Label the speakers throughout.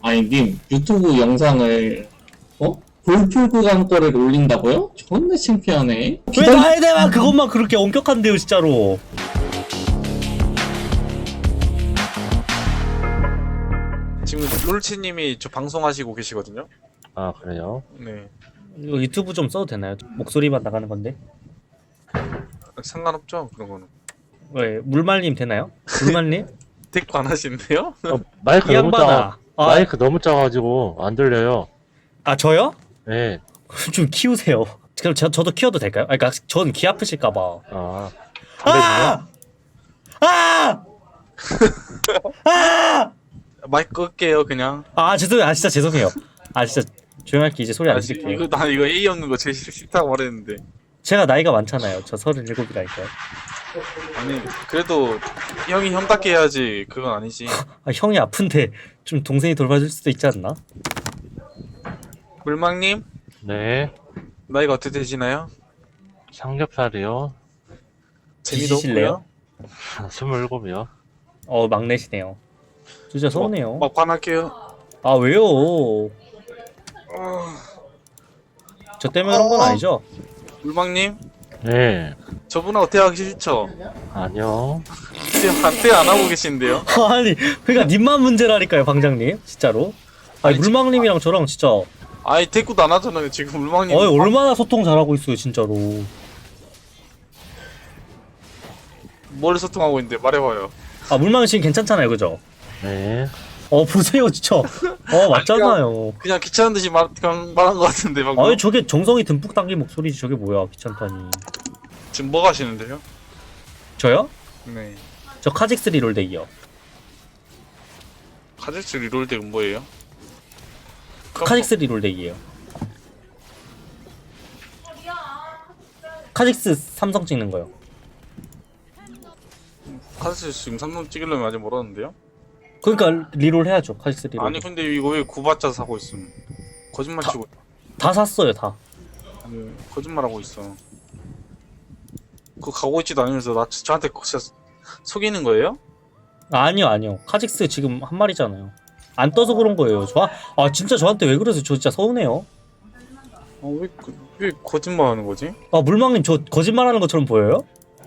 Speaker 1: 아니, 님, 유튜브 영상을, 볼풀 구간 거를 올린다고요? 존나 창피하네.
Speaker 2: 왜 나에 대한 그것만 그렇게 엄격한데요, 진짜로.
Speaker 3: 지금 롤치님이 저 방송하시고 계시거든요.
Speaker 4: 아 그래요?
Speaker 3: 네,
Speaker 2: 이거 유튜브 좀 써도 되나요? 목소리만 나가는 건데.
Speaker 3: 상관없죠 그런 거는.
Speaker 2: 왜 물말님 되나요? 물말님?
Speaker 3: 댓글 안 하시는데요?
Speaker 4: 마이크
Speaker 2: 이
Speaker 4: 너무 작아.
Speaker 2: 양반아.
Speaker 4: 마이크 너무 작아가지고 안 들려요.
Speaker 2: 아 저요?
Speaker 4: 네.
Speaker 2: 좀 키우세요. 그럼 저도 키워도 될까요? 아, 그러니까 전 귀 아프실까봐.
Speaker 4: 아.
Speaker 2: 아! 아! 아!
Speaker 3: 마이크 끌게요 그냥.
Speaker 2: 아 죄송해요. 아 진짜 죄송해요. 아 진짜 조용할게. 이제 소리 안 질게요.
Speaker 3: 나 이거 A 없는 거 제일 싫다고 말했는데.
Speaker 2: 제가 나이가 많잖아요. 저 37이라니까요.
Speaker 3: 아니 그래도 형이 형답게 해야지. 그건 아니지.
Speaker 2: 아 형이 아픈데 좀 동생이 돌봐줄 수도 있지 않나?
Speaker 3: 물망님
Speaker 4: 네.
Speaker 3: 나이가 어떻게 되시나요?
Speaker 4: 삼겹살이요.
Speaker 3: 재미도
Speaker 2: 뒤지실래요?
Speaker 3: 없고요.
Speaker 4: 27이요.
Speaker 2: 막내시네요. 진짜 서운해요.
Speaker 3: 막판할게요.
Speaker 2: 아 왜요? 저 때문에 그런 건 아니죠?
Speaker 3: 물망님
Speaker 4: 네.
Speaker 3: 저분하고 대화하기 싫죠?
Speaker 4: 아니요.
Speaker 3: 대화 안 하고 계신데요?
Speaker 2: 아니 그러니까 님만 문제라니까요, 방장님. 진짜로. 아니
Speaker 3: 아니,
Speaker 2: 물망님이랑 저랑 진짜
Speaker 3: 아니 대꾸도 안 하잖아요 지금 물망님.
Speaker 2: 얼마나 소통 잘하고 있어요, 진짜로.
Speaker 3: 뭘 소통하고 있는데 말해봐요.
Speaker 2: 아 물망 지금 괜찮잖아요, 그죠?
Speaker 4: 네.
Speaker 2: 보세요, 진짜. 맞잖아요.
Speaker 3: 그냥 귀찮은 듯이 그냥 말한 것 같은데 방금.
Speaker 2: 아니 저게 정성이 듬뿍 담긴 목소리지. 저게 뭐야, 귀찮다니.
Speaker 3: 지금 뭐 가시는데요?
Speaker 2: 저요?
Speaker 3: 네.
Speaker 2: 저 카직스 리롤덱이요.
Speaker 3: 카직스 리롤덱은 뭐예요?
Speaker 2: 카직스 리롤덱이에요. 카직스 삼성 찍는 거요.
Speaker 3: 카직스 지금 삼성 찍으려면 아직 멀었는데요?
Speaker 2: 그러니까 리롤 해야죠, 카직스 리롤.
Speaker 3: 아니 근데 이거 왜 구바짜 사고 있음? 거짓말 치고
Speaker 2: 다 샀어요, 다.
Speaker 3: 아니 거짓말하고 있어. 그거 가고 있지도 않으면서 저한테 진짜 속이는 거예요?
Speaker 2: 아니요. 카직스 지금 한 마리잖아요. 안 떠서 그런 거예요. 진짜 저한테 왜 그러세요? 저 진짜 서운해요.
Speaker 3: 왜 거짓말하는 거지?
Speaker 2: 물망님 저 거짓말하는 것처럼 보여요?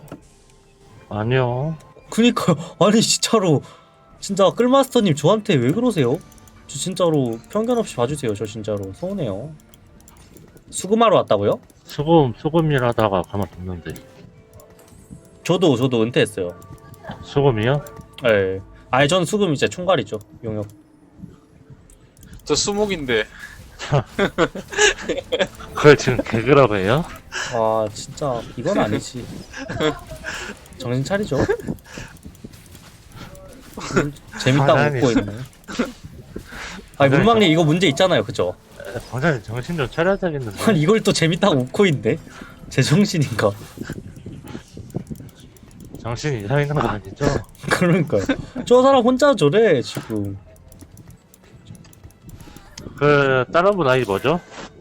Speaker 4: 아니요.
Speaker 2: 그니까요. 아니 진짜로 진짜 끌마스터님 저한테 왜 그러세요? 저 진짜로 편견 없이 봐주세요. 저 진짜로 서운해요. 수금하러 왔다고요?
Speaker 4: 소금 일하다가 가만뒀는데.
Speaker 2: 저도 은퇴했어요.
Speaker 4: 소금이요?
Speaker 2: 예. 아니 전 수금 이제 총괄이죠. 용역.
Speaker 3: 저 수목인데.
Speaker 4: 그걸 지금 개그라고 해요?
Speaker 2: 아 진짜 이건 아니지. 정신 차리죠. 재밌다고
Speaker 4: 가만히
Speaker 2: 웃고
Speaker 4: 있어.
Speaker 2: 있네. 아니 물망님 이거 문제 있잖아요, 그죠?
Speaker 4: 방장님 정신 좀 차려야 되겠는데.
Speaker 2: 아니 이걸 또 재밌다고 웃고 있네. 제정신인가?
Speaker 4: 정신 이상 있는 거 아니죠?
Speaker 2: 그러니까요. 저 사람 혼자 저래 지금.
Speaker 4: 그 다른 분 아이 뭐죠?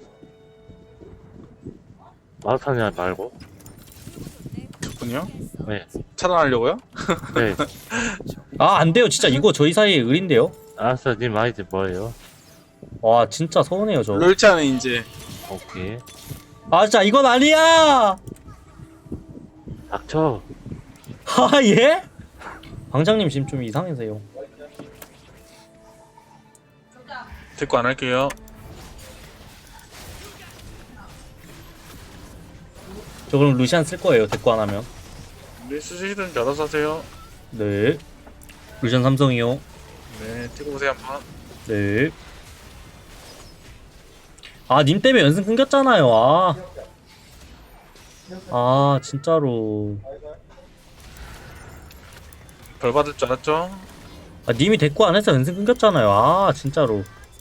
Speaker 4: 마라톤이 말고.
Speaker 3: 저분이요?
Speaker 4: 네.
Speaker 3: 차단하려고요?
Speaker 4: 네.
Speaker 2: 안 돼요, 진짜 이거 저희 사이에 을인데요.
Speaker 4: 알았어, 님 아이디 뭐예요?
Speaker 2: 와 진짜 서운해요 저.
Speaker 3: 롤차는 이제
Speaker 4: 오케이.
Speaker 2: 진짜 이건 아니야.
Speaker 4: 닥쳐.
Speaker 2: 예? 방장님 지금 좀 이상해세요.
Speaker 3: 대꾸 안 할게요.
Speaker 2: 저 그럼 루시안 쓸 거예요, 대꾸 안 하면.
Speaker 3: 네, 쓰시든지 알아서 하세요.
Speaker 2: 네. 루시안 삼성이요.
Speaker 3: 네, 찍어 보세요 한번.
Speaker 2: 네. 님 때문에 연승 끊겼잖아요. 진짜로.
Speaker 3: 벌 받을 줄 알았죠?
Speaker 2: 님이 대꾸 안 해서 연승 끊겼잖아요. 진짜로.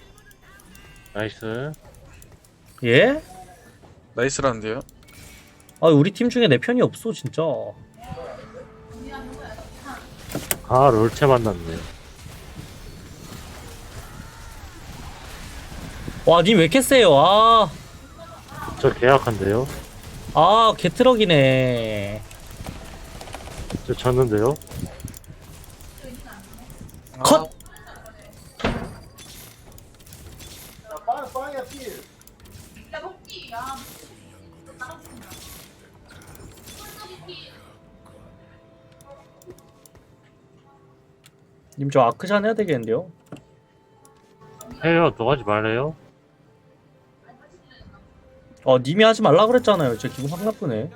Speaker 4: 나이스.
Speaker 2: 예?
Speaker 3: 나이스라는데요?
Speaker 2: 우리 팀 중에 내 편이 없어, 진짜.
Speaker 4: 아, 롤체 만났네.
Speaker 2: 님 왜 이렇게 세요?
Speaker 4: 저 계약한데요?
Speaker 2: 개트럭이네.
Speaker 4: 저 졌는데요?
Speaker 2: 컷! 님 저 아크샨 해야 되겠는데요?
Speaker 4: 해요. 너 하지 말래요?
Speaker 2: 님이 하지 말라 그랬잖아요. 저 기분 확 나쁘네.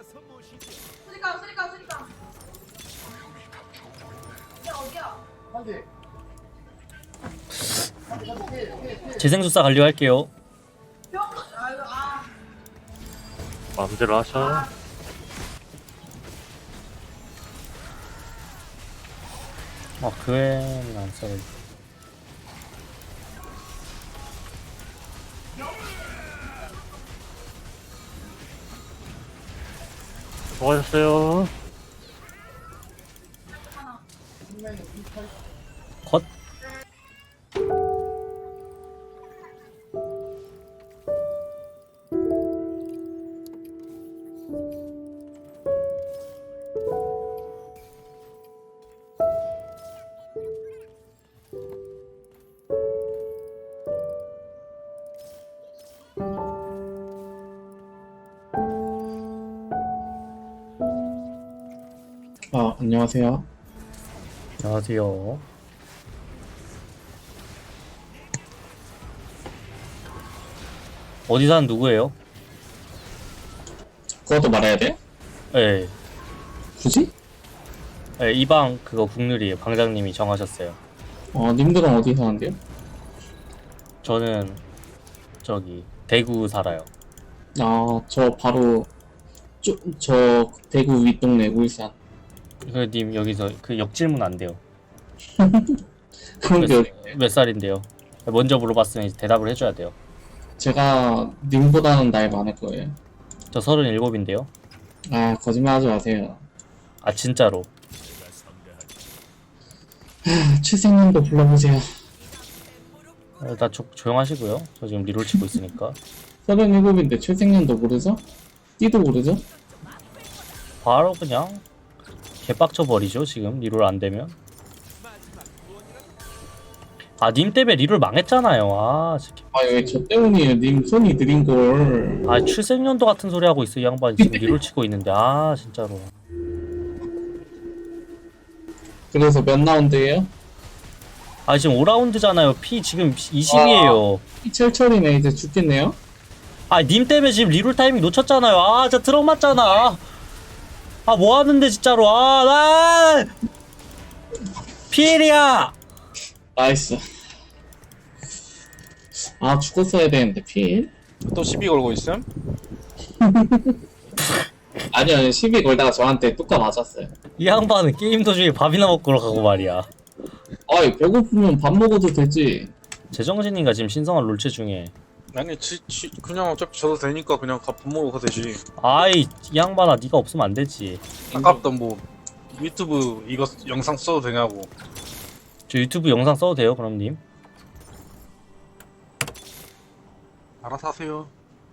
Speaker 2: 재생수사 관리할게요.
Speaker 4: 마음대로 하셔.
Speaker 2: 그 애는 안 써요.
Speaker 4: 수고하셨어요.
Speaker 2: 컷.
Speaker 1: 안녕하세요.
Speaker 2: 안녕하세요. 어디 사는 누구예요?
Speaker 1: 그것도 말해야 돼?
Speaker 2: 예.
Speaker 1: 굳이?
Speaker 2: 예, 이 방 그거 국룰이에요. 방장님이 정하셨어요.
Speaker 1: 님들은 어디 사는데요?
Speaker 2: 저는 저기 대구 살아요.
Speaker 1: 저 바로 저 대구 윗동네 울산.
Speaker 2: 그 님 여기서 그 역질문 안 돼요.
Speaker 1: 그런 게
Speaker 2: 몇 살인데요? 먼저 물어봤으면 이제 대답을 해줘야 돼요.
Speaker 1: 제가 님보다는 나이 많을 거예요.
Speaker 2: 저 37인데요.
Speaker 1: 거짓말하지 마세요.
Speaker 2: 아 진짜로.
Speaker 1: 최생님도 불러보세요.
Speaker 2: 일단 조용하시고요. 저 지금 리롤 치고 있으니까.
Speaker 1: 37인데 최생님도 모르죠? 띠도 모르죠?
Speaker 2: 바로 그냥 개빡쳐 버리죠. 지금 리롤 안 되면. 님 때문에 리롤 망했잖아요. 진짜.
Speaker 1: 왜 저 때문이에요? 님 손이 느린 걸.
Speaker 2: 출생연도 같은 소리 하고 있어 이 양반이. 지금 리롤 치고 있는데 진짜로.
Speaker 1: 그래서 몇 라운드예요?
Speaker 2: 지금 5라운드잖아요. 피 지금 20이에요.
Speaker 1: 철철이네. 이제 죽겠네요.
Speaker 2: 님 때문에 지금 리롤 타이밍 놓쳤잖아요. 진짜 트럭 맞잖아. 뭐 하는데 진짜로. 나 피엘이야.
Speaker 1: 나이스. 죽었어야 되는데 필?
Speaker 3: 또 시비 걸고 있음?
Speaker 1: 아니요, 시비 걸다가 저한테 뚜까 맞았어요.
Speaker 2: 이 양반은 게임 도중에 밥이나 먹고 가고 말이야.
Speaker 1: 배고프면 밥 먹어도 되지.
Speaker 2: 제정신인가 지금 신성한 롤체 중에.
Speaker 3: 아니 그냥 어차피 저도 되니까 그냥 밥 먹으러 가도 되지.
Speaker 2: 이 양반아 네가 없으면 안 되지.
Speaker 3: 아깝다 뭐 유튜브 이거 영상 써도 되냐고.
Speaker 2: 저 유튜브 영상 써도 돼요 그럼 님?
Speaker 3: 알아서 하세요.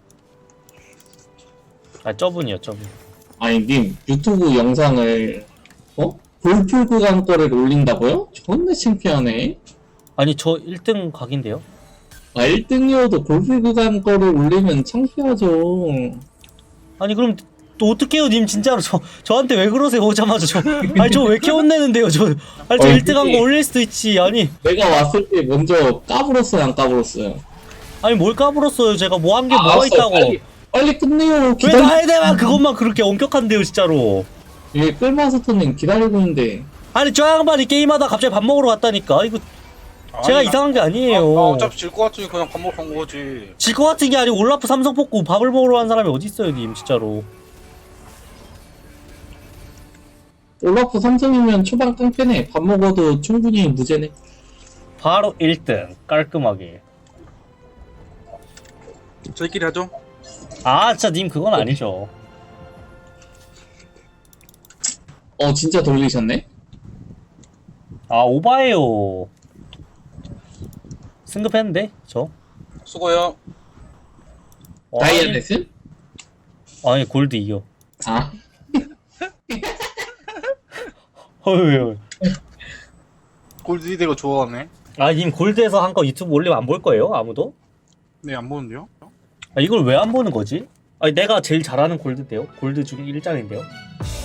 Speaker 2: 저분이요 저분.
Speaker 1: 님, 유튜브 영상을, 볼풀 구간 거를 올린다고요? 존나 창피하네.
Speaker 2: 저 1등 각인데요?
Speaker 1: 1등이어도 볼풀 구간 거를 올리면 창피하죠.
Speaker 2: 그럼 또 어떡해요 님 진짜로 저한테 왜 그러세요 오자마자 저 왜 이렇게 혼내는데요 저 1등 한 거 올릴 수도 있지.
Speaker 1: 내가 왔을 때 먼저 까불었어요, 안 까불었어요?
Speaker 2: 뭘 까불었어요. 제가 뭐 한 게 뭐가 있다고.
Speaker 1: 빨리 끝내요.
Speaker 2: 왜 나에 대한 그것만 그렇게 엄격한데요 진짜로.
Speaker 1: 끌마스터님 기다리고 있는데.
Speaker 2: 저 양반이 게임하다 갑자기 밥 먹으러 갔다니까. 이거 제가 이상한 게 아니에요.
Speaker 3: 어차피 질 것 같으니 그냥 밥 먹으러 간 거지.
Speaker 2: 질 것 같은 게 아니고 올라프 삼성 뽑고 밥을 먹으러 간 사람이 어디 있어요 님 진짜로.
Speaker 1: 올라프 삼성이면 초반 깡패네. 밥 먹어도 충분히 무죄네.
Speaker 2: 바로 1등 깔끔하게.
Speaker 3: 저희끼리 하죠.
Speaker 2: 진짜 님 그건 아니죠.
Speaker 1: 진짜 돌리셨네?
Speaker 2: 오바예요. 승급했는데 저.
Speaker 3: 수고요.
Speaker 1: 다이아넷은?
Speaker 2: 골드 이겨. 헐.
Speaker 3: 골드 이대로 좋아하네.
Speaker 2: 님 골드에서 한 거 유튜브 올리면 안 볼 거예요 아무도?
Speaker 3: 네, 안 보는데요?
Speaker 2: 아, 이걸 왜 안 보는 거지? 아니 내가 제일 잘하는 골드인데요? 골드 중 1장인데요?